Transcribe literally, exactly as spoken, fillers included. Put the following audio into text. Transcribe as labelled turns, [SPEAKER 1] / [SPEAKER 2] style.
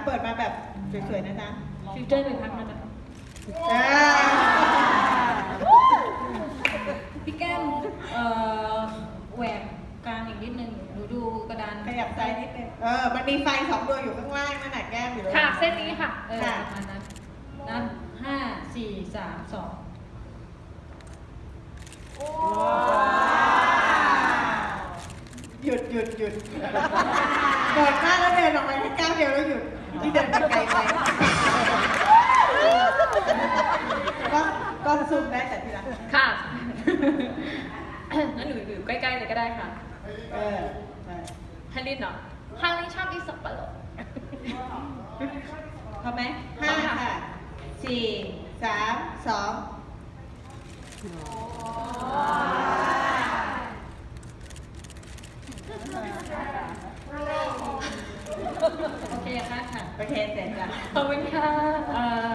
[SPEAKER 1] เปิดมาแบบสวยๆนะจ๊ะ
[SPEAKER 2] ฟิวเจอร์เลยพักนะจ๊ะ
[SPEAKER 1] อ่า
[SPEAKER 2] พี่แก้มเอ่อแหวกกลางอีกนิดนึงหนูดูกระดาน
[SPEAKER 1] ขยับซ้ายนิดนึงเออมันมีไฟสองดวงอยู่ข้างล่างนั่นน่ะแก้มอยู่เลย
[SPEAKER 2] ค่ะเส้นนี้ค่ะเออ
[SPEAKER 1] ค่ะ
[SPEAKER 2] ประมาณนั้นนั้นห้าสี่สามสอง
[SPEAKER 1] หยุดหยุดหยุดกดมากแล้วเดินออกไปแค่ก้าวเดียวแล้วหยุดที่เดินไปไกลไปก็ก็ซูมได้แต่ทีละ
[SPEAKER 2] ค่ะงั้นหนูอยู่ใกล้ๆเลยก็ได้ค่ะ
[SPEAKER 1] เออใช่
[SPEAKER 2] ฮันลินเนาะฮันลินชอบกินสับปะรด
[SPEAKER 1] พอไหมห้าค่ะสี่สามสอง
[SPEAKER 2] โอเคค่ะค่ะ
[SPEAKER 1] โอเคเสร็จแล้ว
[SPEAKER 2] ขอบคุณค่ะ